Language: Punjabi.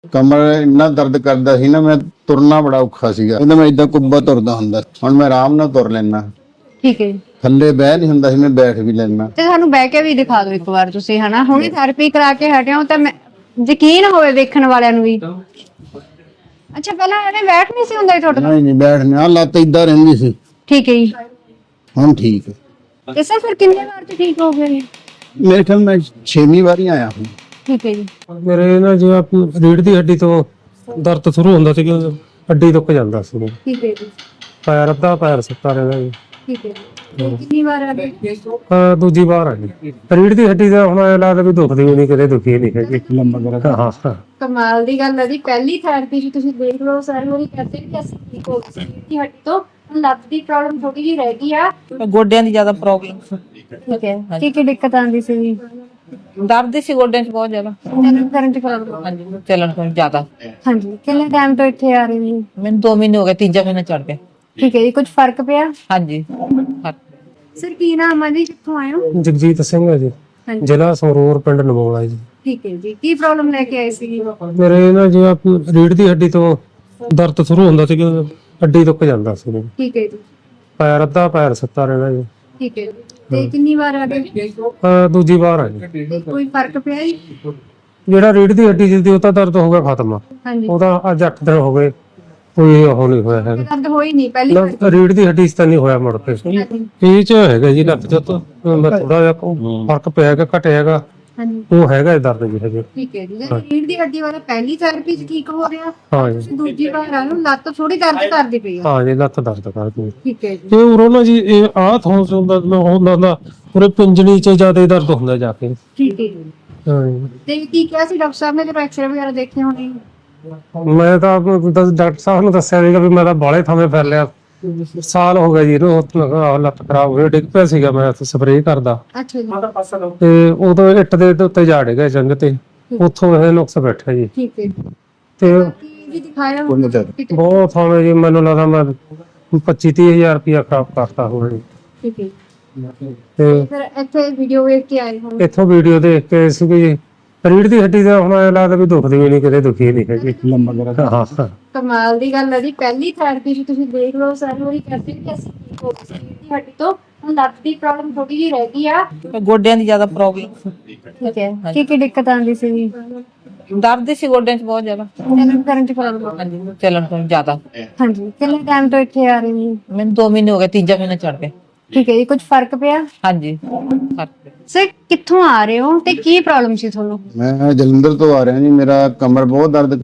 ਕਮਰ ਇੰਨਾ ਦਰਦ ਕਰਦਾ ਸੀ ਨਾ, ਮੈਂ ਤੁਰਨਾ ਬੜਾ ਔਖਾ ਸੀਗਾ। ਇਹਦਾ ਮੈਂ ਇਦਾਂ ਕੁੱਬਾ ਤੁਰਦਾ ਹੁੰਦਾ, ਹੁਣ ਮੈਂ ਆਰਾਮ ਨਾਲ ਤੁਰ ਲੈਣਾ। ਠੀਕ ਹੈ ਜੀ। ਥੱਲੇ ਬਹਿ ਨਹੀਂ ਹੁੰਦਾ ਸੀ, ਮੈਂ ਬੈਠ ਵੀ ਲੈਣਾ। ਤੇ ਸਾਨੂੰ ਬਹਿ ਕੇ ਵੀ ਦਿਖਾ ਦਿਓ ਇੱਕ ਵਾਰ ਤੁਸੀਂ, ਹਨਾ। ਹੁਣੇ ਥੈਰੇਪੀ ਕਰਾ ਕੇ ਹਟੇ ਹੋ ਤਾਂ ਮੈਂ ਯਕੀਨ ਹੋਵੇ ਵੇਖਣ ਵਾਲਿਆਂ ਨੂੰ ਵੀ। ਅੱਛਾ, ਪਹਿਲਾਂ ਐਵੇਂ ਬੈਠ ਨਹੀਂ ਸੀ ਹੁੰਦਾ ਜੀ ਤੁਹਾਡੇ ਤੋਂ? ਨਹੀਂ ਬੈਠ ਨਹੀਂ, ਲੱਤ ਇਦਾਂ ਰਹਿੰਦੀ ਸੀ। ਠੀਕ ਹੈ ਜੀ। ਹੁਣ ਠੀਕ ਹੈ। ਤੇ ਸਰ ਫਿਰ ਕਿੰਨੇ ਵਾਰ ਤੇ ਠੀਕ ਹੋ ਗਏ? ਮੇਰੇ ਖਿਆਲ ਮੈਂ 6ਵੀਂ ਵਾਰੀ ਆਇਆ ਹੂੰ। ਠੀਕ ਹੈ ਜੀ। ਮੇਰੇ ਨਾ ਜਿਵੇਂ ਆਪਣੀ ਰੀੜ੍ਹ ਦੀ ਹੱਡੀ ਤੋਂ ਦਰਦ ਸ਼ੁਰੂ ਹੁੰਦਾ ਸੀ ਕਿ ਹੱਡੀ ਦੁੱਖ ਜਾਂਦਾ ਸੀ। ਠੀਕ ਹੈ ਜੀ। ਪੈਰ ਅੱਧਾ ਪੈਰ ਸੁੱਤਾ ਰਹਿੰਦਾ ਜੀ। ਠੀਕ ਹੈ ਜੀ। ਕਿੰਨੀ ਵਾਰ ਆ ਗਏ? ਦੂਜੀ ਵਾਰ ਆ ਜੀ। ਰੀੜ੍ਹ ਦੀ ਹੱਡੀ ਦਾ ਹੁਣ ਐਂ ਲੱਗਦਾ ਵੀ ਦੁਖਦੀ ਵੀ ਨਹੀਂ, ਕਦੇ ਦੁਖੀ ਨਹੀਂ ਹੈਗੀ। ਹਾਂ। ਕਮਾਲ ਦੀ ਗੱਲ ਹੈ ਜੀ। ਪਹਿਲੀ ਥੈਰੇਪੀ ਚ ਤੁਸੀਂ ਦੇਖ ਲਓ, ਸਾਰੇ ਲੋਕ ਕਹਿੰਦੇ ਕਿ ਅਸੀਂ ਠੀਕ ਹੋ ਗਏ ਸੀ ਹੱਡੀ ਤੋਂ। ਲੱਤ ਦੀ ਪ੍ਰੋਬਲਮ ਥੋੜੀ ਜਿਹੀ ਰਹਿ ਗਈ ਆ, ਗੋਡਿਆਂ ਦੀ ਜ਼ਿਆਦਾ ਪ੍ਰੋਬਲਮ। ਠੀਕ ਹੈ। ਕੀ ਦਿੱਕਤ ਆਉਂਦੀ ਸੀ? ਦਰਦ ਸੀ ਗੋਡਿਆਂ 'ਚ ਬਹੁਤ ਜ਼ਿਆਦਾ। ਚੱਲਣ ਕਰਨ ਚ ਪ੍ਰੋਬਲਮ? ਹਾਂਜੀ, ਚੱਲਣ ਤੋਂ ਜ਼ਿਆਦਾ। ਹਾਂਜੀ। ਕਿੰਨੇ ਟਾਈਮ ਤੋਂ ਇੱਥੇ ਆ ਰਹੇ ਨੇ? ਮੈਨੂੰ 2 ਮਹੀਨੇ ਹੋ ਗਏ, ਤੀਜਾ ਮਹੀਨਾ ਚੜ ਗਿਆ। ਠੀਕ ਹੈ ਜੀ। ਕੁਝ ਫਰਕ ਪਿਆ? ਹਾਂਜੀ। ਸਰ ਕੀ ਨਾਮ ਹੈ ਜੀ, ਕਿੱਥੋਂ ਆਏ ਹੋ? ਜਗਜੀਤ ਸਿੰਘ ਹੈ ਜੀ, ਹਾਂਜੀ। ਜ਼ਿਲ੍ਹਾ ਸੰਗਰੂਰ, ਪਿੰਡ ਨਮੋਲਾ ਜੀ। ਠੀਕ ਹੈ ਜੀ। ਕੀ ਪ੍ਰੋਬਲਮ ਲੈ ਕੇ ਆਏ ਸੀ? ਮੇਰੇ ਨਾ ਜਿਵੇਂ ਆਪਣੀ ਰੀੜ੍ਹ ਦੀ ਹੱਡੀ ਤੋਂ ਦਰਦ ਸ਼ੁਰੂ ਹੁੰਦਾ ਸੀ ਕਿ ਹੱਡੀ ਦੁੱਖ ਜਾਂਦਾ ਸੀ। ਠੀਕ ਹੈ ਜੀ। ਪੈਰ ਅੱਧਾ ਪੈਰ ਸੁੱਤਾ ਰਹਿੰਦਾ ਜੀ। ਠੀਕ ਹੈ ਜੀ। ਤੇ ਕਿੰਨੀ ਵਾਰ ਆ ਗਏ? ਦੂਜੀ ਵਾਰ ਆ ਜੀ। ਤੇ ਕੋਈ ਫਰਕ ਪਿਆ ਜੀ? ਜਿਹੜਾ ਰੀੜ੍ਹ ਦੀ ਹੱਡੀ ਸੀ ਉਹ ਤਾਂ ਦਰਦ ਹੋ ਗਿਆ ਖਤਮ। ਹਾਂਜੀ। ਉਹਦਾ ਅੱਜ 8 ਦਿਨ ਹੋ ਗਏ, ਕੋਈ ਉਹ ਨਹੀਂ ਹੋਇਆ ਹੈਗਾ। ਦਰਦ ਹੋਈ ਨਹੀਂ ਪਹਿਲੀ ਵਾਰ? ਰੀੜ੍ਹ ਦੀ ਹੱਡੀ 'ਚ ਤਾਂ ਨਹੀਂ ਹੋਇਆ ਮੁੜ ਕੇ। ਇਹ 'ਚ ਹੈਗਾ ਜੀ ਲੱਤ 'ਚ ਮੈਂ ਥੋੜਾ ਜਿਹਾ ਫਰਕ ਪਿਆ ਹੈਗਾ, ਘਟਿਆ ਹੈਗਾ। ਹਾਂਜੀ। ਉਹ ਹੈਗਾ ਦਰਦ ਜੀ ਹਜੇ। ਠੀਕ ਹੈ ਜੀ। ਰੀੜ ਦੀ ਹੱਡੀ ਵਾਲਾ ਪਹਿਲੀ ਥੈਰੇਪੀ ਚ ਠੀਕ ਹੋ ਰਿਹਾ, ਹਾਂ ਜੀ। ਦੂਜੀ ਵਾਰ ਆ ਨੂੰ ਲੱਤ ਥੋੜੀ ਦਰਦ ਕਰਦੀ ਪਈ ਆ। ਹਾਂ ਜੀ, ਲੱਤ ਦਰਦ ਕਰਦੀ ਹੈ। ਠੀਕ ਹੈ ਜੀ। ਇਹ ਉਰੋਂ ਨਾ ਜੀ, ਇਹ ਆਹ ਥੋਂ ਹੁੰਦਾ ਪੂਰੇ ਪਿੰਜਣੀ 'ਚ ਜ਼ਿਆਦਾ ਦਰਦ ਹੁੰਦਾ ਜਾ ਕੇ। ਠੀਕ ਹੈ ਜੀ। ਹਾਂ ਜੀ। ਤੇ ਕੀ ਕਿਹਾ ਸੀ ਡਾਕਟਰ ਸਾਹਿਬ ਨੇ ਜਦੋਂ ਐਕਸਰੇ ਵਗੈਰਾ ਦੇਖੇ ਹੋਣੇ? ਮੈਂ ਤਾਂ ਡਾਕਟਰ ਸਾਹਿਬ ਨੂੰ ਦੱਸਿਆ ਸੀਗਾ ਵੀ ਮੈਂ ਤਾਂ ਬਾਹਲੇ ਥਾਵੇਂ ਫਿਰ ਲਿਆ, ਸਾਲ ਹੋ ਗਿਆ ਜੀ ਇਹਨੂੰ। ਲੱਤ ਖਰਾਬ ਹੋਈ, ਡਿੱਗ ਪਿਆ ਸੀਗਾ ਮੈਂ ਸਪਰੇਅ ਕਰਦਾ, ਅੱਛਾ ਜੀ। ਤੇ ਉਦੋਂ ਇੱਟ ਦੇ ਉੱਤੇ ਝਾੜ ਗਿਆ ਜੰਗ ਤੇ, ਉੱਥੋਂ ਇਹ ਨੁਕਸ ਬੈਠਾ ਜੀ। ਠੀਕ ਹੈ ਜੀ। ਤੇ ਕੀ ਵੀ ਦਿਖਾਇਆ? ਬਹੁਤ ਥਾਵੇਂ ਜੀ, ਮੈਨੂੰ ਲੱਗਦਾ ਮੈਂ 25-30 ਹਜ਼ਾਰ ਰੁਪਇਆ ਖਰਾਬ ਕਰਤਾ ਹੋਣਾ ਜੀ। ਠੀਕ ਹੈ। ਤੇ ਫਿਰ ਇੱਥੇ ਵੀਡੀਓ ਵੇਖ ਕੇ ਆਏ ਹੋ? ਇੱਥੋਂ ਵੀਡੀਓ ਦੇਖ ਕੇ ਸੀਗੀ। ਰੀੜ੍ਹ ਦੀ ਹੱਡੀ ਦਾ ਹੁਣ ਐਂ ਲੱਗਦਾ ਵੀ ਦੁਖਦੀ ਵੀ ਨਹੀਂ, ਕਦੇ ਦੁਖੀ ਨਹੀਂ ਹੈਗੀ। ਹਾਂ। ਕਮਾਲ ਦੀ ਗੱਲ ਹੈ ਜੀ। ਪਹਿਲੀ ਥੈਰੇਪੀ ਚ ਤੁਸੀਂ ਦੇਖ ਲਓ, ਸਾਰੇ ਲੋਕ ਕਹਿੰਦੇ ਕਿ ਅਸੀਂ ਠੀਕ ਹੋ ਗਏ ਸੀ ਹੱਡੀ ਤੋਂ। ਹੁਣ ਲੱਤ ਦੀ ਪ੍ਰੋਬਲਮ ਥੋੜੀ ਜਿਹੀ ਰਹਿ ਗਈ ਆ, ਗੋਡਿਆਂ ਦੀ ਜ਼ਿਆਦਾ ਪ੍ਰੋਬਲਮ। ਠੀਕ ਹੈ। ਕੀ ਦਿੱਕਤ ਆਉਂਦੀ ਸੀ? ਦਰਦ ਸੀ ਗੋਡਿਆਂ 'ਚ ਬਹੁਤ ਜ਼ਿਆਦਾ। ਚੱਲਣ ਕਰਨ ਚ ਪ੍ਰੋਬਲਮ? ਹਾਂਜੀ, ਚੱਲਣ ਤੋਂ ਜ਼ਿਆਦਾ। ਹਾਂਜੀ। ਕਿੰਨੇ ਟਾਈਮ ਤੋਂ ਇੱਥੇ ਆ ਰਹੇ ਨੇ? ਮੈਨੂੰ 2 ਮਹੀਨੇ ਹੋ ਗਏ, ਤੀਜਾ ਮਹੀਨਾ ਚੜ ਗਿਆ। ਠੀਕ ਹੈ ਜੀ। ਕੁਝ ਫਰਕ ਪਿਆ? ਹਾਂਜੀ, ਫਰਕ ਪਿਆ। ਸਰ ਕਿੱਥੋਂ ਆ ਰਹੇ ਹੋ ਤੇ ਕੀ ਪ੍ਰੋਬਲਮ ਸੀ ਤੁਹਾਨੂੰ? ਮੈਂ ਜਲੰਧਰ ਤੋਂ ਆ ਰਿਹਾ ਜੀ, ਮੇਰਾ ਕਮਰ ਬਹੁਤ ਦਰਦ